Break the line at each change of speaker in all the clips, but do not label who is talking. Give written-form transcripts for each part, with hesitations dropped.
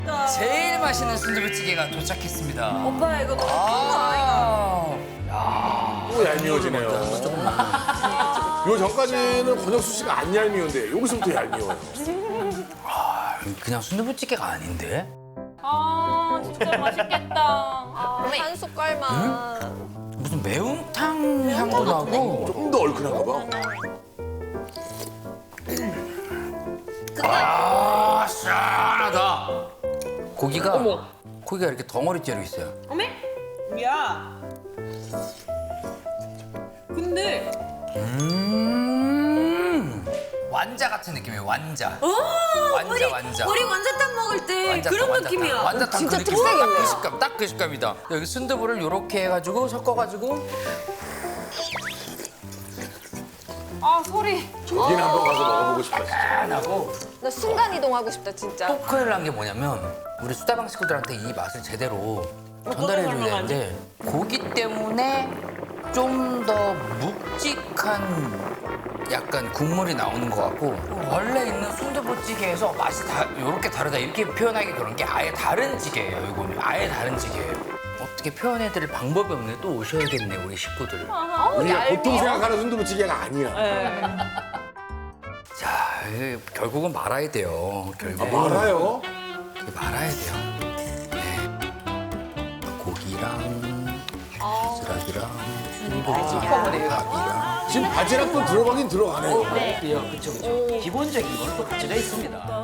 제일 맛있는 순두부찌개가 도착했습니다.
오빠 이거 너무 큰거 아이가?
또 얄미워지네요. 요 전까지는 권혁수 씨가 안 얄미운데 여기서부터 얄미워요.
그냥 순두부찌개가 아닌데?
아 진짜 맛있겠다.
한 숟갈만.
무슨 매운탕 향도 나고.
조금 더 얼큰한가 봐.
아, 시원하다. 고기가 이렇게 덩어리째로 있어요.
어메? 야. 근데
완자 같은 느낌이에요, 완자. 완자.
우리 완자탕 먹을 때 그런 느낌이야.
완자탕
진짜
그 느낌.
특색이네.
그 식감, 딱 그 식감이다. 여기 순두부를 이렇게 해가지고 섞어가지고
아 소리.
여기는 한번 가서 먹어보고 싶다 진짜.
안 하고
나 순간 이동하고 싶다 진짜.
또 큰일 난 게 뭐냐면 우리 수다방 식구들한테 이 맛을 제대로 전달해줘야 되는데 고기 때문에 좀 더 묵직한 약간 국물이 나오는 것 같고 원래 있는 순두부찌개에서 맛이 이렇게 다르다 이렇게 표현하기 그런 게 아예 다른 찌개예요. 이거는 아예 다른 찌개예요. 어떻게 표현해드릴 방법이 없네. 또 오셔야겠네 우리 식구들.
우리가 보통 생각하는 순두부찌개가 아니야.
자, 이게 결국은 말아야 돼요. 결국
알아요?
말아야 돼요. 네. 고기랑 바지락이랑 순두부찌개랑
지금 바지락도 들어가긴 들어가네요.
그렇죠. 기본적인 건 또 가지가 있습니다.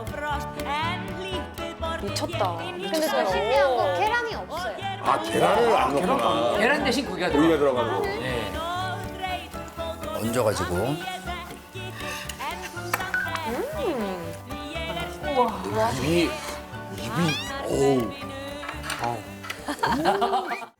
미쳤다.
근데 더 신기한 건 계란이 없어요.
아 계란을 안 넣구나.
계란 대신 고기가
고기가
들어가.
들어가는 거.
네. 얹어가지고.
입이 어우.